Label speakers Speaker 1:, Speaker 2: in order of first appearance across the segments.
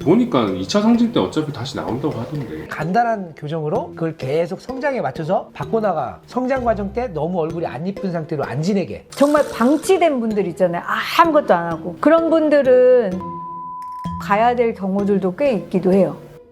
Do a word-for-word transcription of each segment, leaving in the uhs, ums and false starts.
Speaker 1: 보니까 이 차 성징 때 어차피 다시 나온다고 하던데.
Speaker 2: 간단한 교정으로 그걸 계속 성장에 맞춰서 바꿔나가. 성장 과정 때 너무 얼굴이 안 이쁜 상태로 안 지내게.
Speaker 3: 정말 방치된 분들 있잖아요. 아무것도 안 하고. 그런 분들은 가야 될 경우들도 꽤 있기도 해요.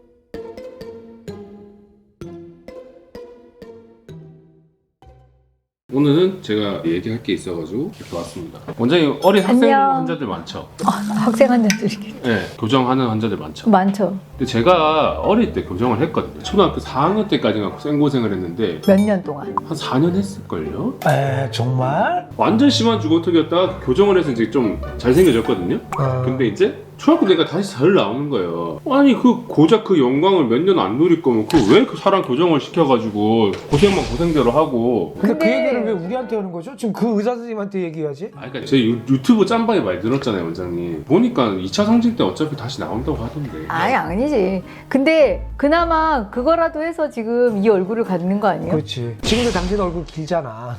Speaker 1: 오늘은 제가 얘기할 게 있어가지고 이렇게 왔습니다. 원장님 어린 학생
Speaker 3: 안녕.
Speaker 1: 환자들 많죠?
Speaker 3: 아, 학생 환자들이
Speaker 1: 네, 교정하는 환자들 많죠.
Speaker 3: 많죠.
Speaker 1: 근데 제가 어릴 때 교정을 했거든요. 초등학교 사 학년 때까지가 생고생을 했는데
Speaker 3: 몇 년 동안.
Speaker 1: 한 사 년 했을걸요?
Speaker 2: 에 정말?
Speaker 1: 완전 심한 주걱턱이었다가 교정을 해서 이제 좀 잘생겨졌거든요.
Speaker 2: 어...
Speaker 1: 근데 이제 초등학교 때가 다시 잘 나오는 거예요. 아니 그 고작 그 영광을 몇 년 안 누릴 거면 그 왜 그 사람 교정을 시켜가지고 고생만 고생대로 하고.
Speaker 2: 근데,
Speaker 3: 근데-
Speaker 2: 그 얘기를 왜 우리한테 하는 거죠? 지금 그 의사 선생님한테 얘기해야지.
Speaker 1: 아 그러니까 제 유, 유튜브 짬방에 많이 늘었잖아요 원장님. 보니까 이 차 성징 때 어차피 다시 나온다고 하던데.
Speaker 3: 아니 아니지. 근데 그나마 그거라도 해서 지금 이 얼굴을 갖는 거 아니에요?
Speaker 2: 그렇지. 지금도 당신 얼굴 길잖아.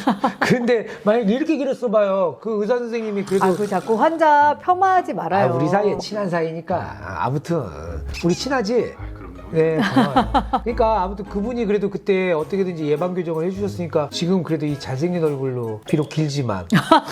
Speaker 2: 근데 만약 이렇게 길었어 봐요. 그 의사 선생님이 그래도
Speaker 3: 아, 그 자꾸 환자 폄하하지
Speaker 2: 아,
Speaker 3: 말아요.
Speaker 2: 우리 사이에 친한 사이니까. 아, 아무튼 우리 친하지?
Speaker 1: 아 그럼요.
Speaker 2: 네, 고마워요. 그러니까 아무튼 그분이 그래도 그때 어떻게든지 예방 교정을 해주셨으니까 지금 그래도 이 잘생긴 얼굴로 비록 길지만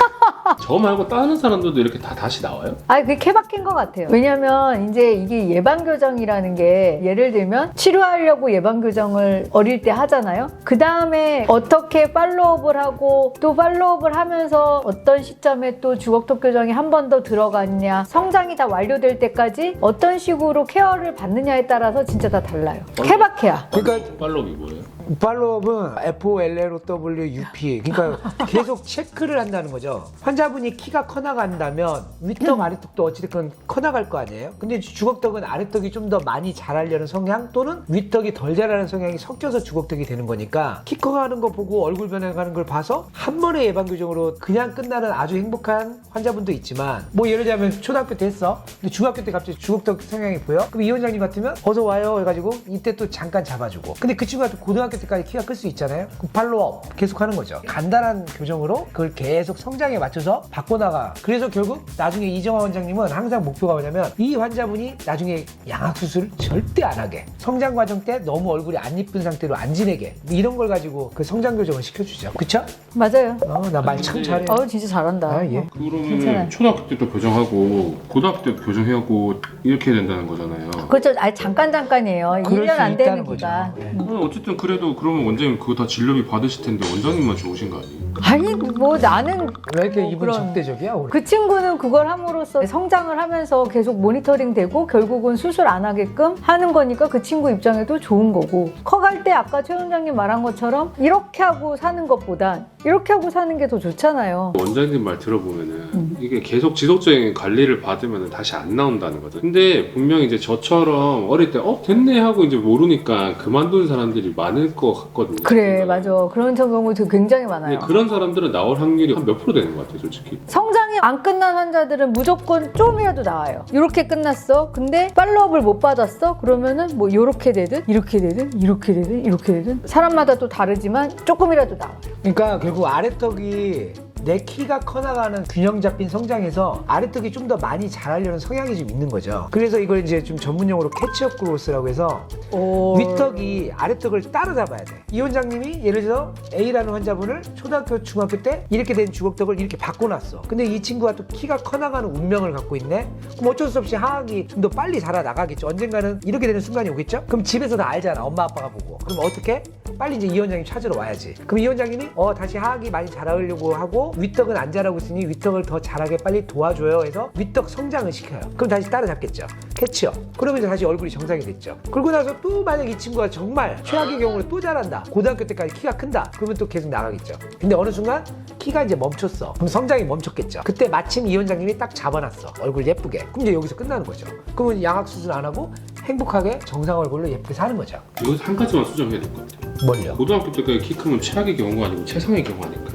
Speaker 1: 저 말고 다른 사람들도 이렇게 다 다시 나와요?
Speaker 3: 아, 그게 케바케인 것 같아요. 왜냐면 이제 이게 예방교정이라는 게 예를 들면 치료하려고 예방교정을 어릴 때 하잖아요. 그 다음에 어떻게 팔로우업을 하고 또 팔로우업을 하면서 어떤 시점에 또 주걱턱 교정이 한 번 더 들어갔냐, 성장이 다 완료될 때까지 어떤 식으로 케어를 받느냐에 따라서 진짜 다 달라요. 케바케야.
Speaker 2: 그러니까
Speaker 1: 팔로업이 뭐예요?
Speaker 2: 팔로업은 에프 오 엘 엘 오 더블유 유 피 그러니까 계속 체크를 한다는 거죠. 환자분이 키가 커나간다면 윗턱 아래턱도 어찌됐건 커나갈 거 아니에요. 근데 주걱턱은 아래턱이 좀 더 많이 자라려는 성향 또는 윗턱이 덜 자라는 성향이 섞여서 주걱턱이 되는 거니까 키 커가는 거 보고 얼굴 변해가는 걸 봐서 한 번의 예방교정으로 그냥 끝나는 아주 행복한 환자분도 있지만 뭐 예를 들자면 초등학교 때 했어. 근데 중학교 때 갑자기 주걱턱 성향이 보여? 그럼 이 원장님 같으면 어서 와요 해가지고 이때 또 잠깐 잡아주고. 근데 그 친구가 또 고등학교 때까지 키가 클 수 있잖아요. 그럼 팔로업 계속 하는 거죠. 간단한 교정으로 그걸 계속 성장에 맞춰서 바꿔나가. 그래서 결국 나중에 이정화 원장님은 항상 목표가 뭐냐면 이 환자분이 나중에 양악수술을 절대 안 하게, 성장 과정 때 너무 얼굴이 안 이쁜 상태로 안 지내게, 이런 걸 가지고 그 성장 교정을 시켜주죠. 그쵸?
Speaker 3: 맞아요.
Speaker 2: 어, 나 말 참 잘해.
Speaker 3: 어, 진짜 잘한다.
Speaker 2: 아, 예.
Speaker 1: 그러면
Speaker 3: 괜찮아요.
Speaker 1: 초등학교 때도 교정하고 고등학교 때도 교정하고 이렇게 해야 된다는 거잖아요.
Speaker 3: 그렇죠. 아니, 잠깐 잠깐이에요.
Speaker 2: 그럴
Speaker 3: 일 년
Speaker 2: 수
Speaker 3: 안
Speaker 2: 있다는
Speaker 3: 되는
Speaker 2: 거죠.
Speaker 3: 기간.
Speaker 2: 네.
Speaker 1: 어, 어쨌든 그래도 그러면 원장님 그거 다 진료비 받으실 텐데 원장님만 좋으신 거 아니에요?
Speaker 3: 아니, 뭐 나는
Speaker 2: 왜 이렇게
Speaker 3: 뭐
Speaker 2: 이분
Speaker 3: 그런-
Speaker 2: 적대적이야? 우리?
Speaker 3: 그 친구는 그걸 함으로써 성장을 하면서 계속 모니터링 되고 결국은 수술 안 하게끔 하는 거니까 그 친구 입장에도 좋은 거고, 커갈 때 아까 최 원장님 말한 것처럼 이렇게 하고 사는 것보단 이렇게 하고 사는 게 더 좋잖아요.
Speaker 1: 원장님 말 들어보면은
Speaker 3: 음.
Speaker 1: 이게 계속 지속적인 관리를 받으면 다시 안 나온다는 거죠. 근데 분명히 이제 저처럼 어릴 때 어 됐네 하고 이제 모르니까 그만둔 사람들이 많을 것 같거든요.
Speaker 3: 그래, 맞아. 그런 경우도 굉장히
Speaker 1: 근데
Speaker 3: 많아요.
Speaker 1: 그런 사람들은 나올 확률이 한 몇 프로 되는 것 같아요, 솔직히.
Speaker 3: 성장이 안 끝난 환자들은 무조건 좀이라도 나와요. 이렇게 끝났어. 근데 팔로업을 못 받았어. 그러면은 뭐 이렇게 되든 이렇게 되든 이렇게 되든 이렇게 되든 사람마다 또 다르지만 조금이라도 나와요.
Speaker 2: 그러니까 결국 아래턱이 내 키가 커나가는 균형 잡힌 성장에서 아래턱이 좀 더 많이 자라려는 성향이 좀 있는 거죠. 그래서 이걸 이제 좀 전문용어로 캐치업 그로스라고 해서
Speaker 3: 오.
Speaker 2: 윗턱이 아래턱을 따라잡아야 돼. 이 원장님이 예를 들어 A라는 환자분을 초등학교, 중학교 때 이렇게 된 주걱턱을 이렇게 바꿔놨어. 근데 이 친구가 또 키가 커나가는 운명을 갖고 있네? 그럼 어쩔 수 없이 하악이 좀 더 빨리 자라나가겠죠. 언젠가는 이렇게 되는 순간이 오겠죠? 그럼 집에서 다 알잖아. 엄마 아빠가 보고. 그럼 어떻게? 빨리 이제 이 원장님 찾으러 와야지. 그럼 이 원장님이 어 다시 하악이 많이 자라려고 하고 윗턱은 안 자라고 있으니 윗턱을 더 자라게 빨리 도와줘요 해서 윗턱 성장을 시켜요. 그럼 다시 따라잡겠죠. 캐치업. 그러면 이제 다시 얼굴이 정상이 됐죠. 그러고 나서 또 만약 이 친구가 정말 최악의 경우로 또 자란다. 고등학교 때까지 키가 큰다. 그러면 또 계속 나가겠죠. 근데 어느 순간 키가 이제 멈췄어. 그럼 성장이 멈췄겠죠. 그때 마침 이 원장님이 딱 잡아놨어. 얼굴 예쁘게. 그럼 이제 여기서 끝나는 거죠. 그러면 양악수술 안 하고 행복하게 정상 얼굴로 예쁘게 사는 거죠.
Speaker 1: 이거 한 가지만 수정해야 될 것 같아요.
Speaker 2: 뭘요?
Speaker 1: 고등학교 때까지 키 크면 최악의 경우가 아니고 최상의 경우 아닐까?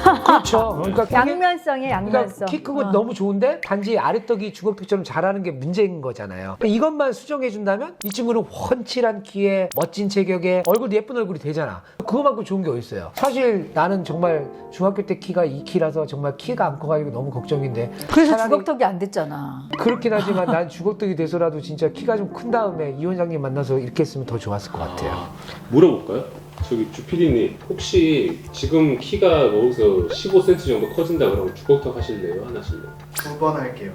Speaker 2: 그렇죠. 그러니까 그게-
Speaker 3: 양면성이에요,
Speaker 2: 그러니까
Speaker 3: 양면성.
Speaker 2: 키 크고
Speaker 3: 어.
Speaker 2: 너무 좋은데 단지 아래떡이 주걱턱처럼 자라는 게 문제인 거잖아요. 그러니까 이것만 수정해준다면 이 친구는 훤칠한 키에 멋진 체격에 얼굴 예쁜 얼굴이 되잖아. 그거만큼 좋은 게 어딨어요. 사실 나는 정말 중학교 때 키가 이 키라서 정말 키가 안 커가지고 너무 걱정인데
Speaker 3: 그래서
Speaker 2: 차라리
Speaker 3: 주걱턱이 안 됐잖아.
Speaker 2: 그렇긴 하지만 난 주걱턱이 돼서라도 진짜 키가 좀 큰 다음에 이 원장님 만나서 이렇게 했으면 더 좋았을 것 같아요.
Speaker 1: 아, 물어볼까요? 저기 주피디님 혹시 지금 키가 거기서 십오 센티미터 정도 커진다 그러면 주걱턱 하실래요? 안 하실래요?
Speaker 4: 두 번 할게요.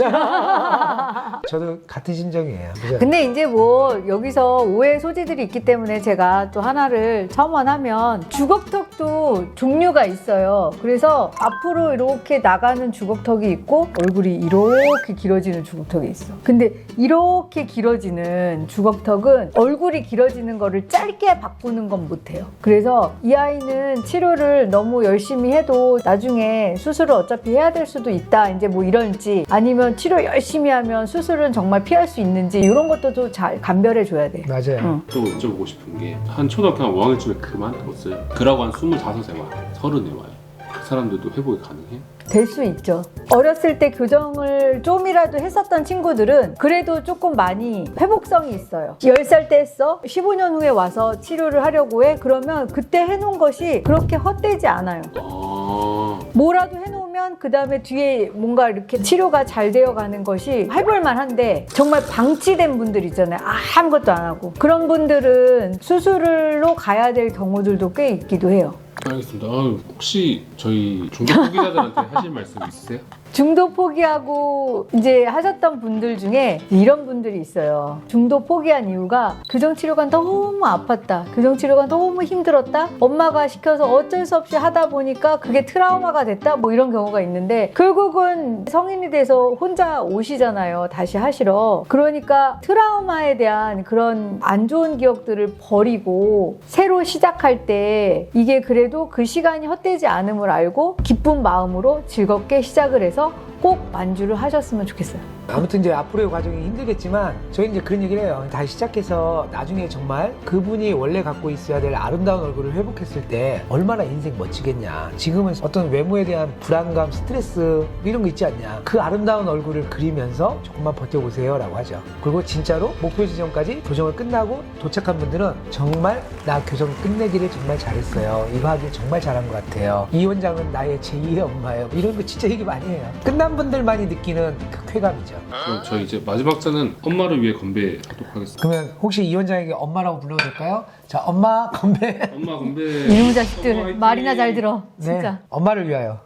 Speaker 2: 저도 같은 심정이에요. 그죠?
Speaker 3: 근데 이제 뭐 여기서 오해 소지들이 있기 때문에 제가 또 하나를 첨언하면 주걱턱도 종류가 있어요. 그래서 앞으로 이렇게 나가는 주걱턱이 있고 얼굴이 이렇게 길어지는 주걱턱이 있어. 근데 이렇게 길어지는 주걱턱은 얼굴이 길어지는 거를 짧게 바꾸는 건 못해요. 그래서 이 아이는 치료를 너무 열심히 해도 나중에 수술을 어차피 해야 될 수도 있다. 이제 뭐 이런지 아니면 치료 열심히 하면 수술은 정말 피할 수 있는지 이런 것도 좀 잘 감별해 줘야 돼.
Speaker 2: 맞아요.
Speaker 3: 응.
Speaker 1: 또 여쭤보고 싶은 게 한 초등학교 한 오 학년쯤에 그만뒀어요. 그러고 한 스물다섯에 와요. 서른에 와요. 그 사람들도 회복이 가능해요?
Speaker 3: 될 수 있죠. 어렸을 때 교정을 좀이라도 했었던 친구들은 그래도 조금 많이 회복성이 있어요. 열 살 때 했어? 십오 년 후에 와서 치료를 하려고 해? 그러면 그때 해놓은 것이 그렇게 헛되지 않아요.
Speaker 1: 아,
Speaker 3: 뭐라도 해놓으면 그 다음에 뒤에 뭔가 이렇게 치료가 잘 되어가는 것이 해볼만 한데 정말 방치된 분들 있잖아요. 아무것도 안 하고. 그런 분들은 수술로 가야 될 경우들도 꽤 있기도 해요.
Speaker 1: 알겠습니다. 아, 혹시 저희 중독 후기자들한테 하실 말씀 있으세요?
Speaker 3: 중도 포기하고 이제 하셨던 분들 중에 이런 분들이 있어요. 중도 포기한 이유가 교정치료가 너무 아팠다. 교정치료가 너무 힘들었다. 엄마가 시켜서 어쩔 수 없이 하다 보니까 그게 트라우마가 됐다. 뭐 이런 경우가 있는데 결국은 성인이 돼서 혼자 오시잖아요. 다시 하시러. 그러니까 트라우마에 대한 그런 안 좋은 기억들을 버리고 새로 시작할 때 이게 그래도 그 시간이 헛되지 않음을 알고 기쁜 마음으로 즐겁게 시작을 해서 꼭 만주를 하셨으면 좋겠어요.
Speaker 2: 아무튼 이제 앞으로의 과정이 힘들겠지만 저희는 이제 그런 얘기를 해요. 다시 시작해서 나중에 정말 그분이 원래 갖고 있어야 될 아름다운 얼굴을 회복했을 때 얼마나 인생 멋지겠냐. 지금은 어떤 외모에 대한 불안감, 스트레스 이런 거 있지 않냐. 그 아름다운 얼굴을 그리면서 조금만 버텨보세요 라고 하죠. 그리고 진짜로 목표 지점까지 교정을 끝나고 도착한 분들은 정말 나 교정 끝내기를 정말 잘했어요. 이거 하길 정말 잘한 것 같아요. 이 원장은 나의 제이의 엄마예요. 이런 거 진짜 얘기 많이 해요. 끝난 분들만이 느끼는 그 쾌감이죠.
Speaker 1: 그럼 저희 이제 마지막 잔은 엄마를 위해 건배하도록 하겠습니다.
Speaker 2: 그러면 혹시 이 원장에게 엄마라고 불러도 될까요? 자, 엄마 건배.
Speaker 1: 엄마 건배.
Speaker 3: 이놈의 자식들
Speaker 1: 엄마 화이팅!
Speaker 3: 말이나 잘 들어. 진짜.
Speaker 2: 네, 엄마를 위하여.